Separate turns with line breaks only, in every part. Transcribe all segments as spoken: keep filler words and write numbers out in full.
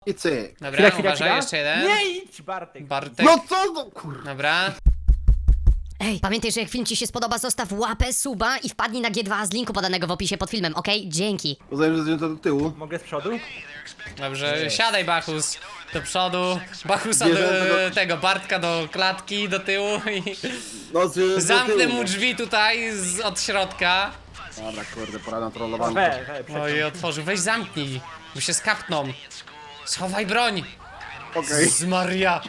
I cyk.
Dobra,
Chwila, chwila,
uważaj,
chwila.
jeszcze jeden.
Nie idź, Bartek.
Bartek.
No co no kur...
Dobra.
Ej, pamiętaj, że jak film ci się spodoba, zostaw łapę, suba i wpadnij na G dwa z linku podanego w opisie pod filmem, okej? Dzięki.
Uznaję, że zdjęto do tyłu.
Mogę z przodu?
Dobrze, siadaj Bachus do przodu, Bachusa do,
Bierzemy do-
tego, Bartka do klatki, do tyłu i
No, zdjęto do
zamknę
tyłu,
mu
no.
drzwi tutaj z, od środka.
Dobra, kurde, pora na trollowanie.
We, we,
No i
przeciąg.
otworzył, weź zamknij, bo się skapną. Schowaj broń.
Okej.
Z Maria.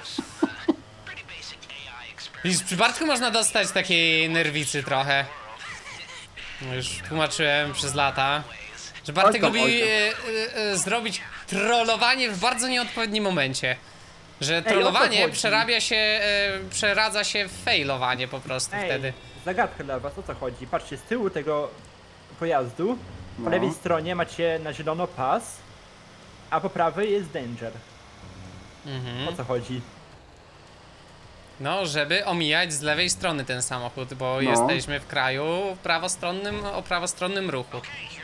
Widzisz, przy Bartku można dostać takiej nerwicy trochę. No już tłumaczyłem przez lata, że Bartek
Oj tam,
lubi
oj tam.
e, e, e, zrobić trollowanie w bardzo nieodpowiednim momencie. Że
o co
trollowanie
chodzi?
przerabia się, e, przeradza się w failowanie po prostu
Ej,
wtedy.
zagadka dla was, o co chodzi? Patrzcie, z tyłu tego pojazdu, po
No.
lewej stronie macie na zielono pas, a po prawej jest danger.
Mhm.
O co chodzi?
No, żeby omijać z lewej strony ten samochód, bo
No.
jesteśmy w kraju prawostronnym, o prawostronnym ruchu.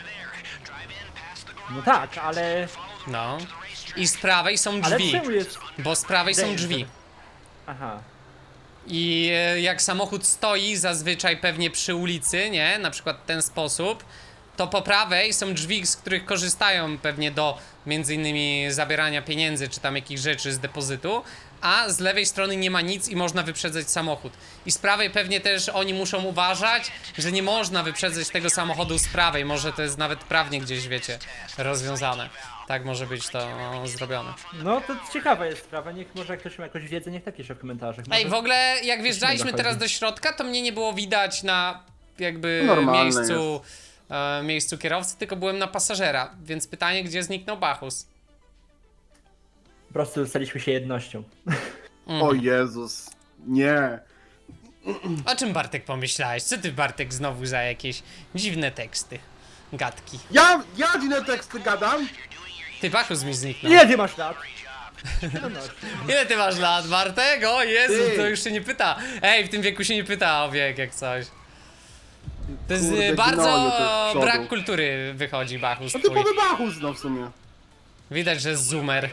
No tak, ale...
No. I z prawej są
Ale
drzwi,
czemu jest...
bo z prawej są
Danger.
drzwi.
Aha.
I e, jak samochód stoi zazwyczaj pewnie przy ulicy, nie? Na przykład w ten sposób, to po prawej są drzwi, z których korzystają pewnie do między innymi zabierania pieniędzy czy tam jakichś rzeczy z depozytu, a z lewej strony nie ma nic i można wyprzedzać samochód. I z prawej pewnie też oni muszą uważać, że nie można wyprzedzać tego samochodu z prawej, może to jest nawet prawnie gdzieś, wiecie, rozwiązane. Tak może być to no, zrobione.
No to ciekawa jest sprawa, niech może ktoś ma jakąś wiedzę, niech napisze w komentarzach.
Ej,
Może-
w ogóle jak wjeżdżaliśmy
dochodzi.
teraz do środka, to mnie nie było widać na jakby
Normalne
miejscu, e, miejscu kierowcy, tylko byłem na pasażera, więc pytanie, gdzie zniknął Bachus?
Po prostu staliśmy się jednością.
O Jezus. Nie.
O czym Bartek pomyślałeś? Co ty Bartek znowu za jakieś dziwne teksty, gadki?
Ja, ja dziwne teksty gadam.
Ty Bachus mi zniknął.
Ile ty masz lat? siedemnaście.
Ile ty masz lat, Bartek? O Jezu,
Ty.
to już się nie pyta. Ej, w tym wieku się nie pyta o wiek jak coś. To jest
Kurde,
e, bardzo
gnole te z przodu.
brak kultury wychodzi Bachus
A
twój.
typowy Bachus, no w sumie.
Widać, że jest zoomer.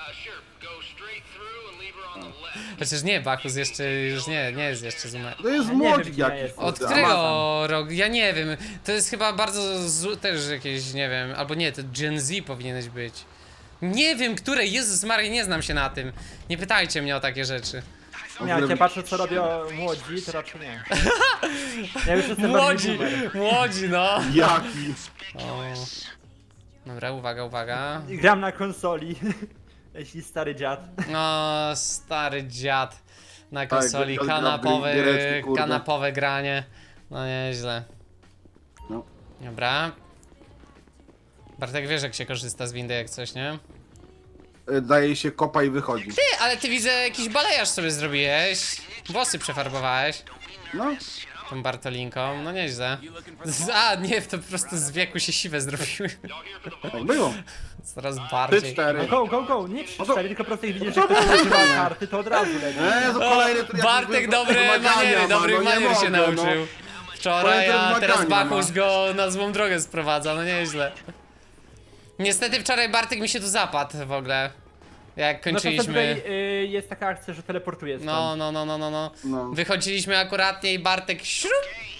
Chociaż nie, Bachus jeszcze, już nie, nie jest jeszcze zoomer.
To jest
Ja nie
młodzik
wiem, gdzie ja
jakiś.
jestem.
Od
kurde,
którego
Amazon.
roku? Ja nie wiem. To jest chyba bardzo zu- też jakieś, nie wiem, albo nie, to Gen Z powinieneś być. Nie wiem, które, Jezus Maria, nie znam się na tym. Nie pytajcie mnie o takie rzeczy.
Nie, jak ja patrzę co robią młodzi, to raczej nie. Ja już jestem
Młodzi,
bardziej boomer.
młodzi, no.
Jaki?
O. Dobra, uwaga, uwaga.
Gram na konsoli. Jeśli stary dziad.
No, stary dziad na konsoli,
gra- gra w
kanapowe,
giereczki, kurde.
kanapowe granie. No nieźle.
No.
Dobra. Bartek, wiesz jak się korzysta z windy jak coś, nie?
E, Daje się kopa i wychodzi.
Ty, ale ty widzę jakiś balejarz sobie zrobiłeś. Włosy przefarbowałeś
No.
tą Bartolinką, no nieźle. Z- A, nie, to po prostu z wieku się siwe zrobiły.
Tak było.
Coraz
Trzy,
bardziej.
No
cztery.
go, go, go, nie trzy
No to-
cztery, tylko po prostu jak widzisz, że ktoś używa karty, to od razu leci.
Eee, to kolejny tryb.
Bartek dobry maniery, dobry manier się nauczył. Wczoraj, a teraz Bachus go na złą drogę sprowadza, no nieźle. Niestety wczoraj Bartek mi się tu zapadł w ogóle. Jak
No to
kończyliśmy.
tutaj y, jest taka akcja, że teleportuje stąd.
No, no, no, no, no, no.
No.
Wychodziliśmy akuratnie i Bartek śrup.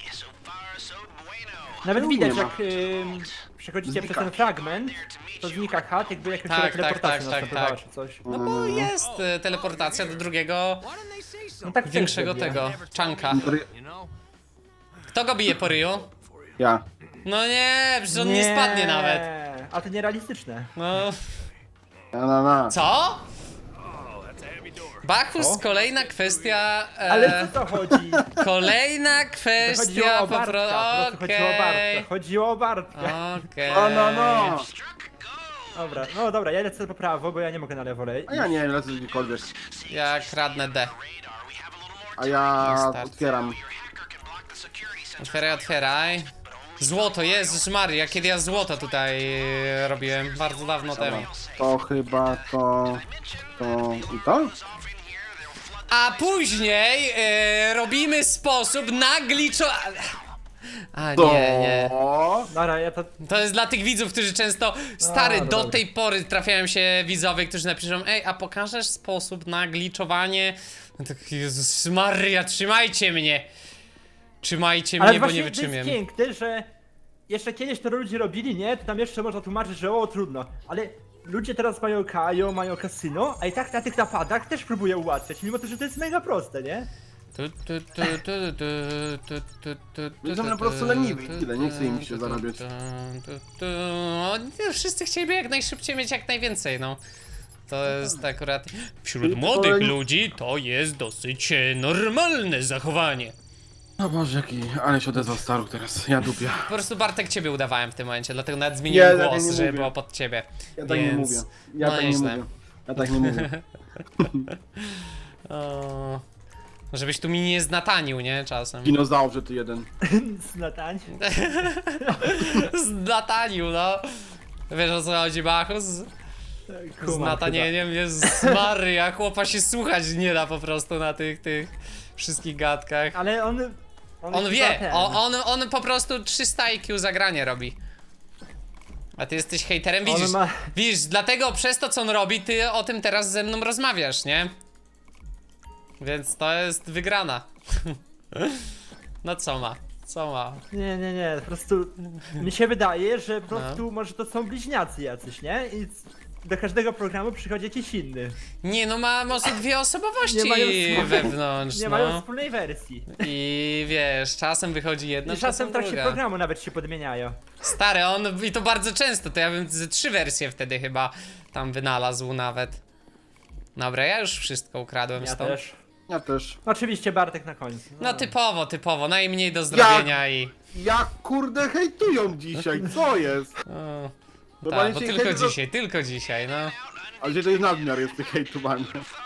Nawet
Tu
widać
nie ma.
jak y, przechodzicie
Znika.
przez ten fragment, to znika chat, jakby jakaś
Tak, tak,
teleportacja
tak, tak,
następowała
tak.
czy coś.
No bo jest e, teleportacja do drugiego,
No tak też
większego
zrobię.
tego, czanka. Kto go bije po ryju?
Ja.
No nie, przecież on nie spadnie nawet.
A to nierealistyczne.
No.
Ja na na.
Co? Bachus,
Co?
kolejna kwestia. E,
Ale co to chodzi?
Kolejna
To chodziło
kwestia
o
po
Bartka,
prostu.
po prostu chodziło o Bartka. Chodziło o Bartka.
Okej.
O no no.
Dobra, no dobra, ja lecę po prawo, bo ja nie mogę na lewo lej.
A ja nie wiem, lecę gdziekolwiek.
Ja kradnę D.
A ja
Start.
otwieram.
Otwieraj, otwieraj. Złoto, Jezus Maria, kiedy ja złoto tutaj e, robiłem, bardzo dawno temu.
To chyba to... To... I to?
A później e, robimy sposób na gliczo... A
To...
nie, nie.
Dobra, ja to...
To jest dla tych widzów, którzy często, stary,
A,
do
dobra.
tej pory trafiają się widzowie, którzy napiszą: ej, a pokażesz sposób na gliczowanie? No tak, Jezus Maria, trzymajcie mnie! Trzymajcie
Ale
mnie, bo nie
właśnie to jest
wytrzymiem.
piękne, że jeszcze kiedyś to ludzie robili, nie? To tam jeszcze można tłumaczyć, że o, trudno. Ale ludzie teraz mają kajo, mają kasyno, a i tak na tych napadach też próbują ułatwiać, mimo to, że to jest mega proste, nie?
Tu, tu, tu, tu, tu, tu, tu, tu, tu,
Są
tu,
po prostu
tu,
leniwi i
tu,
tyle, nie chce im
tu,
się
tu,
zarabiać.
tu, tu, tu. O, nie, wszyscy chcieliby jak najszybciej mieć jak najwięcej, no. To jest akurat... Wśród młodych ludzi to jest dosyć e, normalne zachowanie.
O Boże, jaki... Ale się odezwał Staruk teraz, ja dupię.
Po prostu Bartek ciebie udawałem w tym momencie, dlatego nawet zmieniłem
Nie, tak
głos,
nie
żeby
mówię.
było pod ciebie.
Ja tak
Więc...
nie mówię. Ja
no
tak nie
nieźle.
mówię. Ja tak nie mówię.
O, żebyś tu mi nie znatanił, nie? Czasem.
Dinozaurze ty jeden.
Znatań.
Znatanił, no. Wiesz o co chodzi, Bachus? Z
Kumam
natanieniem jest Maria, chłopa się słuchać nie da po prostu na tych, tych wszystkich gadkach.
chyba. Ale on... On,
On
chyba
wie,
ten.
on, on, on po prostu trzysta I Q zagranie robi. A ty jesteś hejterem,
On
widzisz,
ma-
widzisz, dlatego przez to co on robi, ty o tym teraz ze mną rozmawiasz, nie? Więc to jest wygrana. No co ma, co ma?
Nie, nie, nie, po prostu mi się wydaje, że po
No.
prostu może to są bliźniacy jacyś, nie? I c- do każdego programu przychodzi jakiś inny.
Nie no, ma może dwie osobowości
Nie mają wspólnej-
wewnątrz,
Nie
no.
mają wspólnej wersji.
I wiesz, czasem wychodzi jedna,
I czasem w
czasem
trakcie
druga.
programu nawet się podmieniają.
Stary, on i to bardzo często, to ja bym ze trzy wersje wtedy chyba tam wynalazł nawet. Dobra, ja już wszystko ukradłem
Ja
stąd.
też.
Ja też.
Oczywiście Bartek na końcu.
No typowo, typowo, najmniej do zrobienia i...
Jak kurde hejtują dzisiaj, co jest?
O,
Normalnie
tak, bo
się
tylko
hejtu-
dzisiaj, tylko dzisiaj, no.
Ale gdzie to jest nadmiar jest tych hejtowań.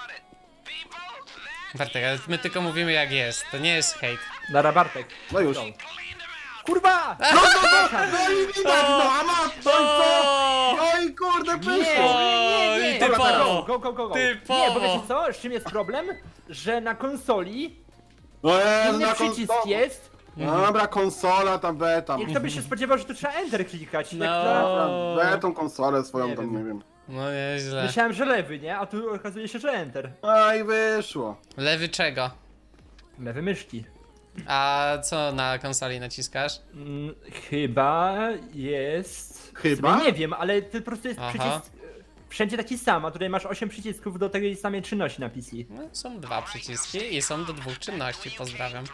Bartek, ale my tylko mówimy jak jest, to nie jest hejt.
Dara Bartek.
No już.
Kurwa!
No, no, no, no i widać, no, a masz, no i co? No i kurde,
Nie,
przyszło.
nie, nie, nie.
i
Dobra,
typowo.
Go, go, go, go.
Typowo.
Nie, bo wiecie co? Z czym jest problem? Że na konsoli
No jest,
inny
na
przycisk
konso-
jest
No dobra, konsola tam, B tam.
i kto by się spodziewał, że tu trzeba Enter klikać. Jak
No.
to...
B tą konsolę swoją
Nie
tam,
wiem.
nie wiem.
No nieźle.
Myślałem, że lewy, nie? A tu okazuje się, że Enter.
A i wyszło.
Lewy czego?
Lewy myszki.
A co na konsoli naciskasz?
Mm, chyba jest...
Chyba?
W sumie nie wiem, ale to po prostu jest
Aha.
przycisk... e, Wszędzie taki sam, a tutaj masz osiem przycisków do tej samej czynności na P C.
No, są dwa przyciski i są do dwóch czynności, pozdrawiam.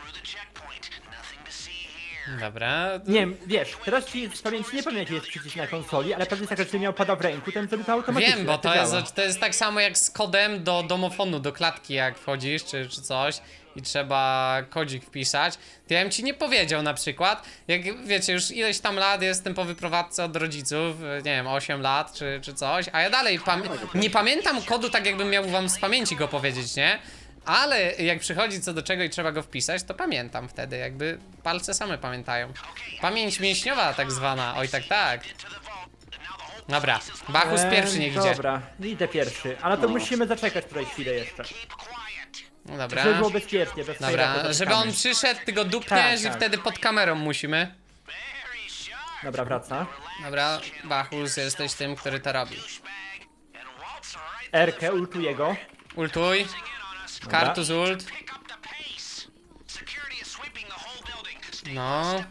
Dobra.
Nie wiem, wiesz, teraz ci z pamięci nie pamiętam jaki jest przycisk na konsoli, ale pewnie jest tak, że gdybym miał pada w ręku, to bym zrobił to automatycznie.
Wiem, bo
jak
to
działa.
jest, to jest tak samo jak z kodem do domofonu, do klatki jak wchodzisz czy, czy coś i trzeba kodzik wpisać. To ja bym ci nie powiedział na przykład, jak wiecie, już ileś tam lat jestem po wyprowadzce od rodziców, nie wiem, osiem lat czy, czy coś, a ja dalej pam nie pamiętam kodu tak jakbym miał wam z pamięci go powiedzieć, nie? Ale jak przychodzi co do czego i trzeba go wpisać, to pamiętam wtedy, jakby palce same pamiętają. Pamięć mięśniowa tak zwana, oj tak tak. Dobra, Bachus
Em,
pierwszy niech idzie.
Dobra, idę pierwszy, ale to
No.
musimy zaczekać tutaj chwilę jeszcze.
No dobra.
Żeby było bezpiecznie, bez
Dobra,
fejra,
żeby on przyszedł, ty go dupniesz
Tak, tak.
i wtedy pod kamerą musimy.
Dobra, wraca.
Dobra, Bachus, jesteś tym, który to robi.
Erkę, ultuję go.
Ultuj. Kartus ult. No.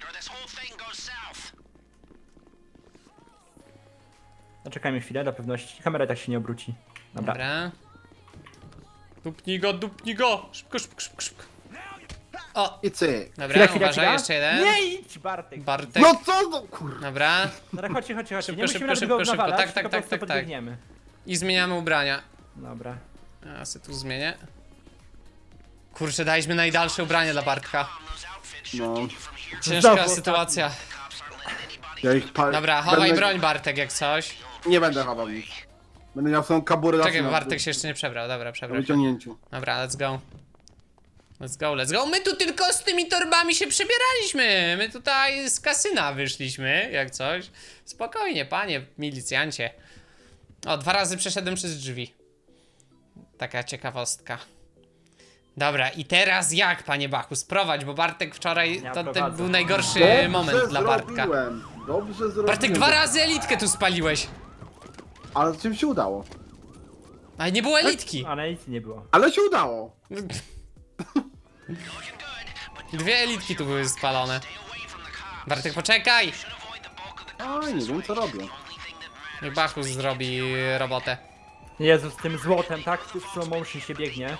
Zaczekajmy chwilę, dla pewności. Kamera tak się nie obróci. Dobra.
Dobra. Dupnij go, dupnij go! Szybko, szybko, szybko, szybko. O,
I cyk.
dobra,
Chwila, chwila,
uważaj,
chwila.
jeszcze jeden.
Nie idź, Bartek.
Bartek.
No co, no kur...
Dobra.
Dobra, chodźcie, chodźcie, chodźcie.
Szybko,
Nie
szybko,
musimy
szybko,
nawet go
szybko.
nawalać,
Tak, tak,
tylko
tak,
po prostu
tak, tak.
podbiegniemy.
I zmieniamy ubrania.
Dobra.
Ja se tu zmienię. Kurczę, daliśmy najdalsze ubranie dla Bartka.
No.
Ciężka
Znowu
sytuacja.
Ja ich pa...
Dobra, chowaj
będę...
broń, Bartek, jak coś.
Nie będę chował nic. Będę miał swoją kaburę
Czekaj,
zawsze
bo
na-
Bartek się jeszcze nie przebrał, dobra,
na
przebrał się.
wyciągnięciu.
Dobra, let's go. Let's go, let's go. My tu tylko z tymi torbami się przebieraliśmy. My tutaj z kasyna wyszliśmy, jak coś. Spokojnie, panie milicjancie. O, dwa razy przeszedłem przez drzwi. Taka ciekawostka. Dobra, i teraz jak, panie Bachu, sprowadź, bo Bartek wczoraj,
Ja
to, to
prowadzę.
był najgorszy
Dobrze
moment dla Bartka.
zrobiłem. Dobrze zrobiłem.
Bartek, dwa razy elitkę tu spaliłeś,
Ale czym się udało?
ale nie było elitki.
Ale nic nie było.
Ale się udało.
Dwie elitki tu były spalone. Bartek, poczekaj!
Oj, nie wiem co robię.
Niech Bachus zrobi robotę.
Jezu, z tym złotem, tak? W slow motion się biegnie.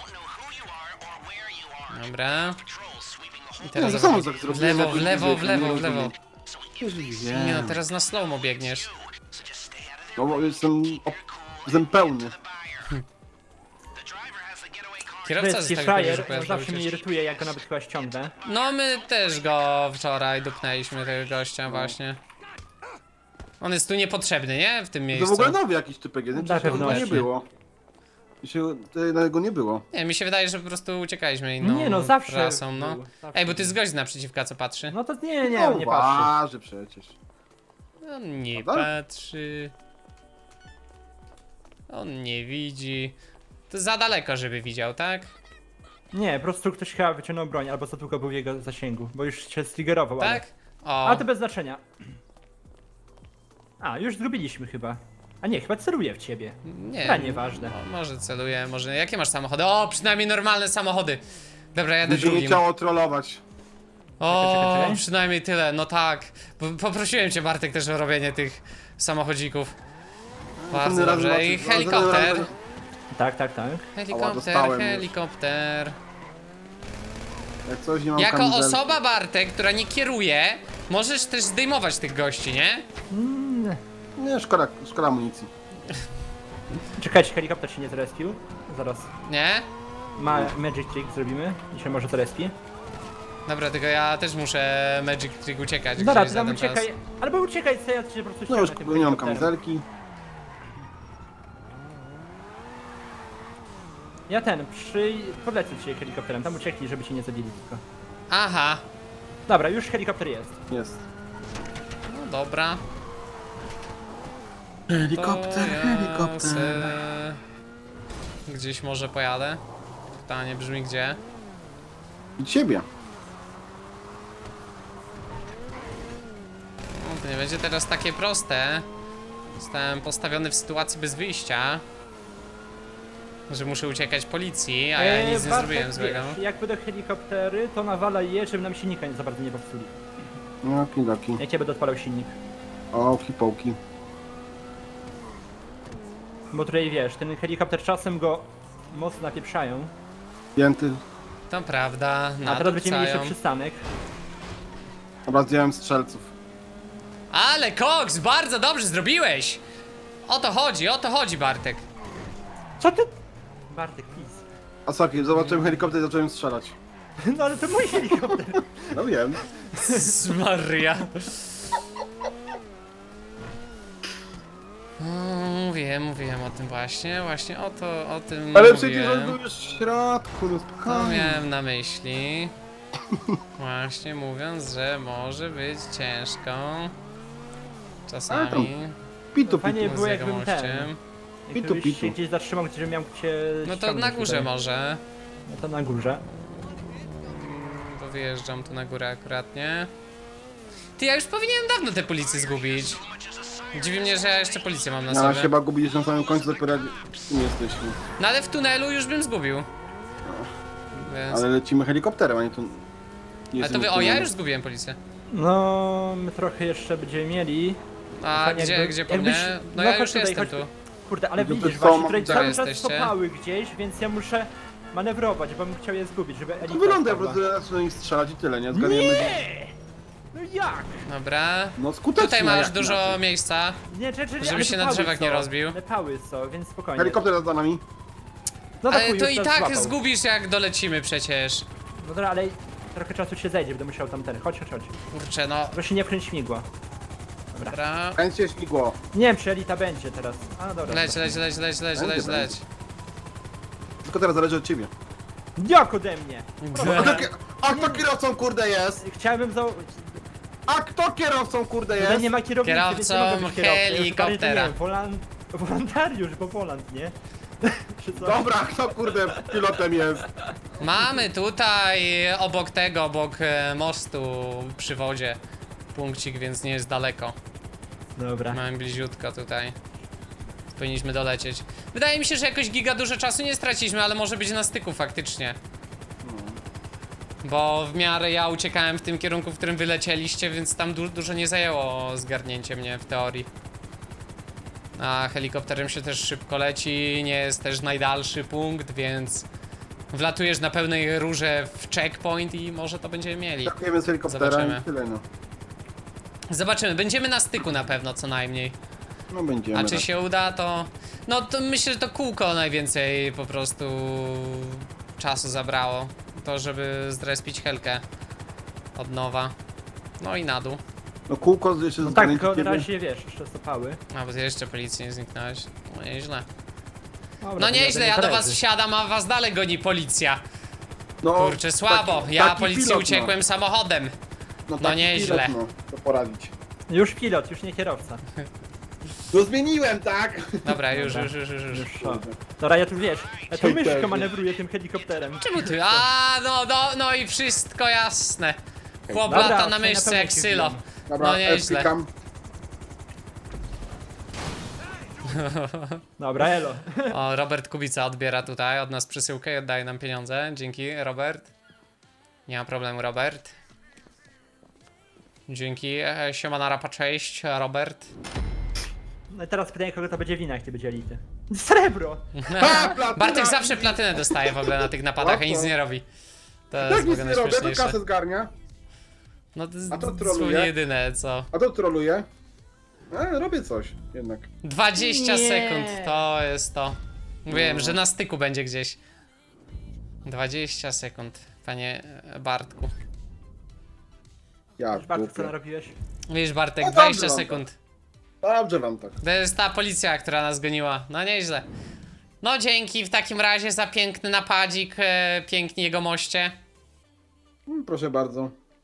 Dobra. I
No,
teraz
to
zobacz,
samo tak
w
zrobiłem,
lewo,
jak
w lewo, w
nie
lewo, w
rozumiem.
lewo.
Wiem.
Nie no, teraz na slowmo biegniesz.
No bo jestem... op- Jestem pełny.
Kierowca
Wiesz,
z tego
frajer,
że pojazd
zawsze mnie
ucieczki.
irytuje, jak go nawet chyba ściągnę.
No my też go wczoraj dupnęliśmy, tego gościa właśnie. On jest tu niepotrzebny, nie? W tym
To
miejscu.
w ogóle nowy jakiś typek jeden,
Na
przecież go nie
pewności.
było. I się, tego go nie było.
Nie, mi się wydaje, że po prostu uciekaliśmy inną
Nie no, zawsze
trasą, no.
był, zawsze
Ej, bo ty
był.
z gość naprzeciwka co patrzy.
No to nie, nie,
No,
nie patrzy.
waży przecież.
On nie
Prawda?
patrzy. On nie widzi. To za daleko, żeby widział, tak?
Nie, po prostu ktoś chyba wyciągnął broń, albo za długo był w jego zasięgu, bo już się striggerował, ale...
Tak? O.
A to bez znaczenia. A, już zgubiliśmy chyba. A nie, chyba celuję w ciebie.
Nie.
Chyba nieważne.
O, może celuję, może. Jakie masz samochody? O, przynajmniej normalne samochody. Dobra, jadę
Mi się nie
drugim.
chciało trollować.
O,
Czekaj, czekaj, czekaj.
przynajmniej tyle, no tak. Bo poprosiłem cię, Bartek, też o robienie tych samochodzików. Bardzo
Następny raz
dobrze. I
zobaczysz, no,
helikopter.
następny raz-
Tak, tak, tak.
Helikopter,
dostałem już.
helikopter.
Jak coś nie mam
Jako
kamizelki.
osoba, Bartek, która nie kieruje, możesz też zdejmować tych gości, nie?
Mm.
Nie, szkoda, szkoda amunicji.
Czekajcie, helikopter się nie zrespił. Zaraz.
Nie?
Ma magic trick zrobimy i się może zrespi.
Dobra, tylko ja też muszę Magic Trick uciekać.
Dobra,
gdzieś
ty
za
tam
ten czas.
uciekaj. Albo uciekaj, co ja cię po prostu
No już
ściągnę tym
nie mam
helikopterem.
kamizelki.
Ja ten, przy... podlecę cię helikopterem, tam uciekli, żeby cię nie zabili tylko.
Aha,
Dobra, już helikopter jest.
Jest.
no dobra.
Helikopter,
To ja
helikopter.
se gdzieś może pojadę. Pytanie brzmi gdzie?
I ciebie.
No, to nie będzie teraz takie proste. Zostałem postawiony w sytuacji bez wyjścia. Że muszę uciekać policji, a ja
Eee,
nic nie
Bartek,
zrobiłem złego.
Wiesz, jak będą helikoptery, to nawalaj je, żeby nam silnika nie za bardzo nie popsuli.
No, kidoki.
Jak cię będę odpalał silnik.
O, hipołki.
Bo tutaj wiesz, ten helikopter czasem go mocno napieprzają,
Pięty.
To prawda,
a teraz będziemy mieli jeszcze
nadupcają.
przystanek.
Dobra, zdjąłem strzelców.
Ale Cox, bardzo dobrze zrobiłeś! O to chodzi, o to chodzi, Bartek.
Co ty? Bartek, please.
A sorry, zobaczyłem helikopter i zacząłem strzelać.
No ale to mój helikopter.
No wiem.
Maria. No, mówiłem, mówiłem o tym właśnie, właśnie o to, o tym
Ale przecież on
mówiłem.
był już w środku, no
To
spokojnie.
miałem na myśli. Właśnie mówiąc, że może być ciężko. Czasami.
Pitu,
Fajnie
pitu.
było
z
jakbym ten.
jegomościem.
Jakbyś
Pitu,
się
pitu.
gdzieś zatrzymał, gdzie miał cię
No to
ściągnąć
na górze
tutaj.
może.
No to na górze.
Bo wyjeżdżam tu na górę akurat, nie? Ty, ja już powinienem dawno te policje zgubić. Dziwi mnie, że ja jeszcze policję mam na
Ja
sobie.
się chyba gubisz na samym końcu, dopiero jak nie jesteśmy.
No ale w tunelu już bym zgubił. Więc...
Ale lecimy helikopterem, a nie tu. Nie
Ale to wy, o, ja już zgubiłem policję.
No, my trochę jeszcze będziemy mieli.
A
Fajnie,
gdzie,
jakby-
gdzie po
jakbyś-
mnie?
no
No ja
chodź
już
tutaj,
jestem
chodź
tu.
Kurde, ale
No to
widzisz,
co,
właśnie tutaj
gdzie
cały czas
jesteście?
stopały gdzieś, więc ja muszę manewrować, bo bym chciał je zgubić, żeby
To
elita
wygląda, po
spadła.
prostu zacznę do nich strzelać i tyle, nie? Zgadujemy.
Nie! No jak?
Dobra.
No skutecznie.
Tutaj masz
jak
dużo
inaczej.
miejsca.
Nie, czy, czy,
Żeby
ale
się
te
na
pały
drzewach
są.
nie rozbił.
Te pały są, więc spokojnie.
Helikopter za nami.
No
Ale
chuj,
to
już
i
nas
tak
złapał.
zgubisz jak dolecimy przecież.
No dobra, ale trochę czasu się zejdzie, będę musiał tam ten. Chodź, chodź, chodź.
Kurczę, no.
Proszę nie wkręć śmigła.
Dobra.
Kręćcie śmigło.
Nie wiem, czy elita będzie teraz. A dobra.
Leć, leć, leć, leć, leć, leć,
Będzie,
leć.
Tylko teraz zależy od ciebie.
Jak ode mnie?
A kto, ki- a kto kierowcą kurde jest?
Chciałem za...
A kto kierowcą kurde
Tutaj
jest?
nie ma kierownicy, więc nie mogę
Kierowcą
być kierowcą. Jest bardziej,
helikoptera.
nie wiem, wolan... Wolontariusz, bo wolant, nie? Czy co?
Dobra, kto kurde pilotem jest?
Mamy tutaj obok tego, obok e, mostu przy wodzie punkcik, więc nie jest daleko.
Dobra.
Mamy bliziutko tutaj. Powinniśmy dolecieć. Wydaje mi się, że jakoś giga dużo czasu nie straciliśmy, ale może być na styku faktycznie. Bo w miarę ja uciekałem w tym kierunku, w którym wylecieliście, więc tam du dużo nie zajęło zgarnięcie mnie w teorii. A helikopterem się też szybko leci, nie jest też najdalszy punkt, więc wlatujesz na pełnej rurze w checkpoint i może to będziemy mieli.
Takujemy z helikoptera
Zobaczymy.
i tyle no.
Zobaczymy, będziemy na styku na pewno co najmniej.
No będziemy.
A czy
raczej.
się uda, to... No to myślę, że to kółko najwięcej po prostu czasu zabrało. To, żeby zrespić helkę od nowa. No i na dół.
No kółko jeszcze
No tak,
zgarnięcie
tylko na
kiedy?
razie wiesz, jeszcze stopały.
A, bo ty jeszcze policji nie zniknąłeś. No nieźle.
Dobra,
No
to
nieźle,
jadę
ja do
imprezy.
was wsiadam, a was dalej goni policja.
No,
Kurczę, słabo.
taki-
Ja
taki
policji
pilot,
uciekłem samochodem.
No,
no
taki
nieźle.
Pilot, no, to poradzić.
Już pilot, już nie kierowca.
No zmieniłem, tak?
Dobra, już,
Dobra.
już, już, już. już.
Już o. Dobra, ja tu wiesz, ja tu
Hej,
myszko
pewnie.
manewruję tym helikopterem.
Czemu ty? A, no, no, no i wszystko jasne. Chłop
Dobra,
lata na
tutaj na
myszce
pewno
jak
się
sylo.
wbijam.
Dobra,
No nieźle.
klikam.
Dobra, elo.
O, Robert Kubica odbiera tutaj od nas przesyłkę i oddaje nam pieniądze. Dzięki, Robert. Nie ma problemu, Robert. Dzięki. E, Siemana rapa, cześć, Robert.
No i teraz pytanie, kogo to będzie wina, jak ty będzie elity. Srebro!
Ha, platyna!
Bartek zawsze platynę dostaje w ogóle na tych napadach, a nic nie robi. To jest
Tak
w
nic
ogóle
nie robię, to
najśmieszniejsze.
kasę zgarnia.
No to jest
A to
dosłownie
troluje?
jedyne, co.
A to troluje. E, robię coś jednak.
dwadzieścia
Nie.
sekund, to jest to. Wiem,
No.
że na styku będzie gdzieś. dwadzieścia sekund, panie Bartku.
Ja
Wiesz, Bartek, co
dupę.
narobiłeś?
Wiesz, Bartek,
No dobrze
dwadzieścia
wam
sekund.
Dobrze wam tak.
To jest ta policja, która nas goniła. No nieźle. No dzięki w takim razie za piękny napadzik, e, piękni jego moście.
Mm, Proszę bardzo.